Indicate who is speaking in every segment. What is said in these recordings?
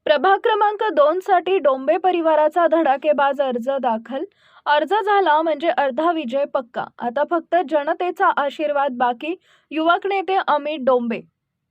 Speaker 1: प्रभाग क्रमांक 2 साठी डोंबे परिवाराचा धडाकेबाज अर्ज दाखल. अर्ज झाला म्हणजे अर्धा विजय पक्का. आता फक्त जनतेचा आशीर्वाद बाकी. युवक नेते अमित डोंबे.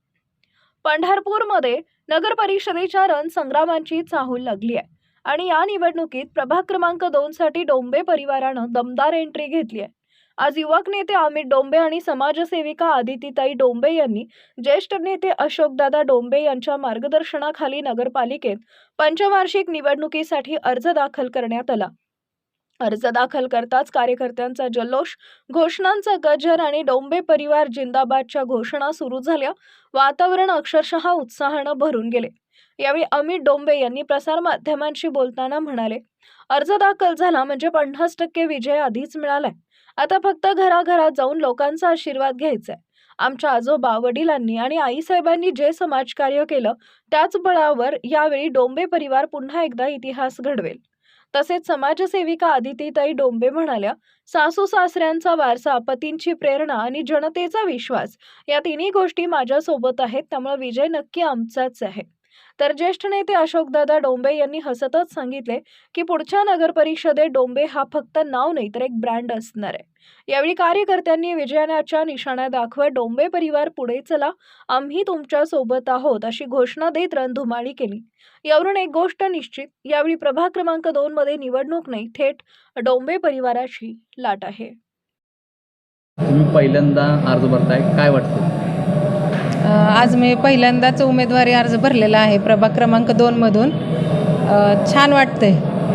Speaker 1: पंढरपूरमध्ये नगर परिषदेच्या रणसंग्रामांची चाहूल लागली आहे आणि या निवडणुकीत प्रभाग क्रमांक 2 साठी डोंबे परिवारानं दमदार एंट्री घेतली आहे. आज युवक नेते अमित डोंबे आणि समाजसेविका आदितीताई डोंबे यांनी ज्येष्ठ नेते अशोकदादा डोंबे यांच्या मार्गदर्शनाखाली नगरपालिकेत पंचवार्षिक निवडणुकीसाठी अर्ज दाखल करण्यात आला. अर्ज दाखल करताच कार्यकर्त्यांचा जल्लोष, घोषणांचा गजर आणि डोंबे परिवार जिंदाबादच्या घोषणा सुरू झाल्या. वातावरण अक्षरशः उत्साहानं भरून गेले. यावेळी अमित डोंबे यांनी प्रसारमाध्यमांशी बोलताना म्हणाले, अर्ज दाखल झाला म्हणजे 50% विजय आधीच मिळालाय. आता फक्त घराघरात जाऊन लोकांचा आशीर्वाद घ्यायचा आहे. आमच्या आजोबा, वडिलांनी आणि आईसाहेबांनी जे समाजकार्य केलं त्याच बळावर यावेळी डोंबे परिवार पुन्हा एकदा इतिहास घडवेल. तसेच समाजसेविका आदितीताई डोंबे म्हणाल्या, सासू सासऱ्यांचा वारसा, पतींची प्रेरणा आणि जनतेचा विश्वास या तिन्ही गोष्टी माझ्यासोबत आहेत, त्यामुळे विजय नक्की आमचाच आहे. तर ज्येष्ठ नेते अशोकदादा डोंबे यांनी हसतच सांगितले की पुढच्या नगर परिषदेत डोंबे हा फक्त नाव नाही तर एक ब्रँड असणार आहे. यावेळी कार्यकर्त्यांनी विजयाच्या निशाणा दाखवत डोंबे परिवार पुढे चला, आम्ही तुमच्या सोबत आहोत अशी घोषणा देत रणधुमाळी केली. यावरून एक गोष्ट निश्चित, यावेळी प्रभाग क्रमांक 2 मध्ये निवडणूक नाही, थेट डोंबे परिवाराची लाट आहे.
Speaker 2: तुम्ही पहिल्यांदा अर्ज भरताय, काय वाटतं?
Speaker 3: आज मी पहिल्यांदाच उमेदवारी अर्ज भरलेला आहे प्रभाग क्रमांक 2 मधून. छान वाटतंय.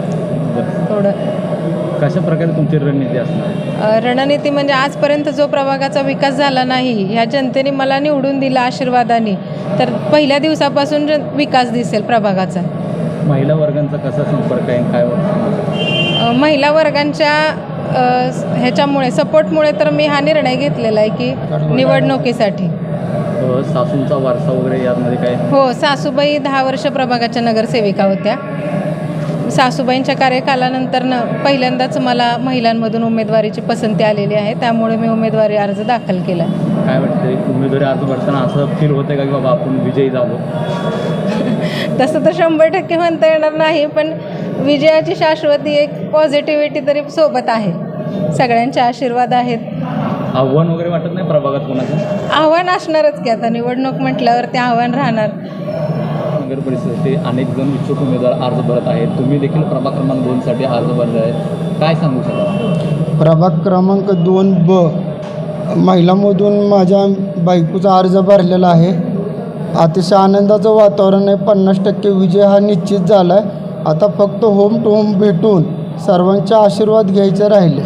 Speaker 3: थोडं
Speaker 2: कशा प्रकारे तुमची रणनीती असणार?
Speaker 3: रणनीती म्हणजे आजपर्यंत जो प्रभागाचा विकास झाला नाही, ह्या जनतेने मला निवडून दिला आशीर्वादाने, तर पहिल्या दिवसापासून विकास दिसेल प्रभागाचा.
Speaker 2: महिला वर्गांचा कसा संपर्क आहे, काय वाटतं?
Speaker 3: महिला वर्गांच्या ह्याच्यामुळे, सपोर्टमुळे तर मी हा निर्णय घेतलेला आहे की निवडणुकीसाठी.
Speaker 2: सासूंचा वारसा वगैरे यामध्ये काय?
Speaker 3: हो, सासूबाई 10 वर्ष प्रभागाच्या नगरसेविका होत्या. सासूबाईंच्या कार्यकालानंतर पहिल्यांदाच मला महिलांमधून उमेदवारीची पसंती आलेली आहे, त्यामुळे मी उमेदवारी अर्ज दाखल केला.
Speaker 2: काय वाटतं, उमेदवारी अर्ज भरताना असं फील होतं का की बाबा आपण विजयी झालो?
Speaker 3: तसं तर 100% म्हणता येणार नाही, पण विजयाची शाश्वती एक पॉझिटिव्हिटी तरी सोबत आहे. सगळ्यांचे आशीर्वाद आहेत.
Speaker 2: आव्हान वगैरे वाटत नाही प्रभागात कोणाचं?
Speaker 3: आव्हान असणारच की, आता निवडणूक म्हटल्यावर ते आव्हान राहणार.
Speaker 2: नगर परिषदेचे अनेक जण इच्छुक उमेदवार अर्ज भरत आहेत, तुम्ही देखील प्रभाग क्रमांक 2 साठी अर्ज भरला आहे, काय सांगू शकाल?
Speaker 4: प्रभाग क्रमांक 2B महिलांमधून माझ्या बायकोचा अर्ज भरलेला आहे. अतिशय आनंदाचं वातावरण आहे. 50% विजय हा निश्चित झाला आहे. आता फक्त होम टू होम भेटून सर्वांचे आशीर्वाद घ्यायचे राहिले.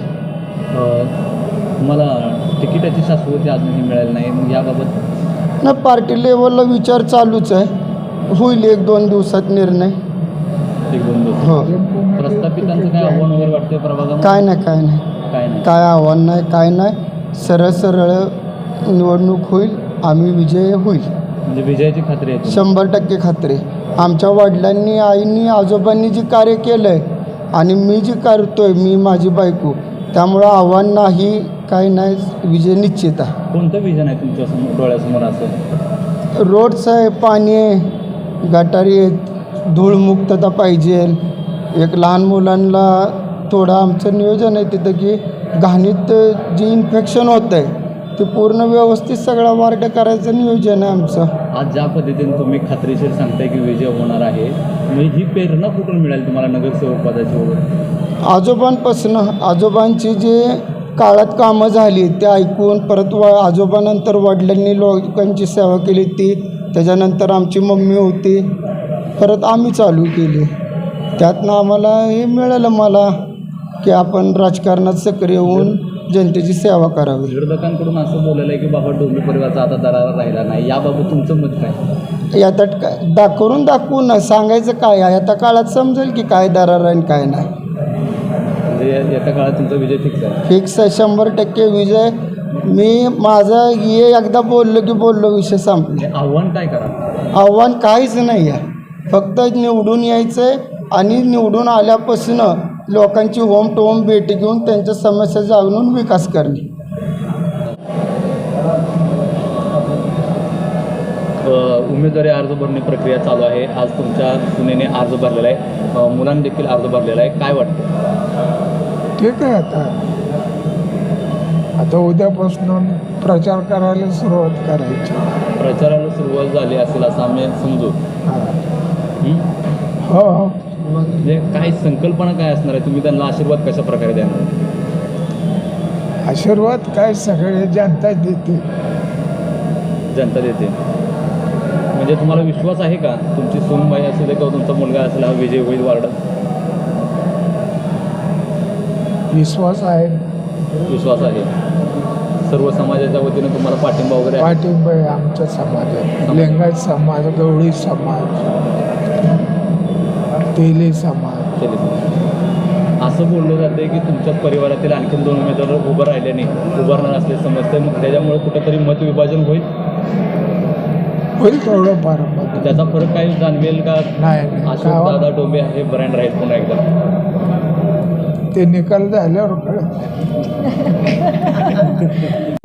Speaker 2: मला तिकिटाची शाश्वती अजूनही मिळाली नाही, मग याबाबत?
Speaker 4: ना, पार्टी लेवलला विचार चालूच आहे. होईल 1-2 दिवसात निर्णय.
Speaker 2: 1-2 दिवस.
Speaker 4: हो.
Speaker 2: प्रस्थापितांचं काय आव्हान वगैरे वाटतं प्रभागात?
Speaker 4: काय नाही, काय आव्हान नाही, काय नाही. सरळ निवडणूक होईल, आम्ही विजय होईल.
Speaker 2: म्हणजे विजयाची खात्री आहे?
Speaker 4: 100% खात्री. आमच्या वडिलांनी, आईनी, आजोबांनी जे कार्य केलं आहे आणि मी जे करतोय, मी माझी बायको, त्यामुळं आव्हान नाही, काही नाही, विजय निश्चित आहे.
Speaker 2: कोणतं विजन आहे तुमच्या डोळ्यासमोर? असं
Speaker 4: रोडचं आहे, पाणी आहे, गटारी आहेत, धूळमुक्तता पाहिजे. एक लहान मुलांना थोडं आमचं नियोजन आहे तिथं की घाणीत जे इन्फेक्शन होतं आहे ते पूर्ण व्यवस्थित सगळा वार्ड करायचं नियोजन आहे आमचं.
Speaker 2: आज ज्या पद्धतीने तुम्ही खात्रीशीर सांगताय की विजय होणार आहे, मग ही प्रेरणा कुठून मिळाली तुम्हाला नगरसेवक पदाची वगैरे?
Speaker 4: आजोबांपासून. आजोबांची जे काळात कामं झाली ते ऐकून परत आजोबानंतर वडिलांनी लोकांची सेवा केली ती, त्याच्यानंतर आमची मम्मी होती, परत आम्ही चालू केली. त्यातनं आम्हाला हे मिळालं मला की आपण राजकारणात सक्रिय होऊन जनतेची सेवा करावी.
Speaker 2: विरोधकांकडून असं बोललेलं आहे की बाबा डोंबे परिवाराचा आता दरारा राहिला नाही, याबाबत तुमचं मत काय?
Speaker 4: आता काय दाखवू ना, सांगायचं काय आहे? आता काळात समजेल की काय दरार आहे आणि काय नाही.
Speaker 2: म्हणजे एका काळात तुमचा विजय फिक्स आहे?
Speaker 4: फिक्स आहे, 100% विजय. मी माझं हे एकदा बोललो की बोललो, विषय संपले.
Speaker 2: आव्हान काय करा?
Speaker 4: आव्हान काहीच नाही आहे, फक्त निवडून यायचं आहे आणि निवडून आल्यापासून लोकांची होम टू होम भेटी घेऊन त्यांच्या समस्या जाणून विकास करणे.
Speaker 2: उमेदवारी अर्ज भरणी प्रक्रिया चालू आहे. आज तुमच्या सुनेने अर्ज भरलेला आहे, मुलांनी देखील अर्ज भरलेला आहे. काय वाटतं?
Speaker 5: ठीक आहे. आता उद्यापासून प्रचार करायला सुरुवात करायची.
Speaker 2: प्रचाराला सुरुवात झाली असेल असं आम्ही समजू.
Speaker 5: हां.
Speaker 2: हं?
Speaker 5: हो.
Speaker 2: म्हणजे काय संकल्पना काय असणार आहे? तुम्ही त्यांना आशीर्वाद कशा प्रकारे देणार?
Speaker 5: आशीर्वाद काय सगळे जनता देते.
Speaker 2: जनता देते. म्हणजे तुम्हाला विश्वास आहे का तुमची सूनबाई असू दे किंवा तुमचा मुलगा असेल हा विजय होईल वार्डात?
Speaker 5: विश्वास आहे.
Speaker 2: विश्वास आहे. सर्व समाजाच्या वतीनं तुम्हाला पाठिंबा वगैरे आहे?
Speaker 5: पाठिंबा आहे आमच्या समाजात. लिंगायत समाज, गवळी समाज, तेली समाज.
Speaker 2: असं बोललं जाते की तुमच्या परिवारातील आणखी 2 उमेदवार उभं राहिल्याने उभारणार असले समजते. मग त्याच्यामुळे कुठेतरी मतविभाजन होईल
Speaker 5: थोडं फार मत.
Speaker 2: त्याचा फरक काही जाणवेल का?
Speaker 5: नाही
Speaker 2: अशोक दादा डोंबे हे ब्रँड राहील पुन्हा एकदा?
Speaker 5: ते निकाल झाल्यावर कळत.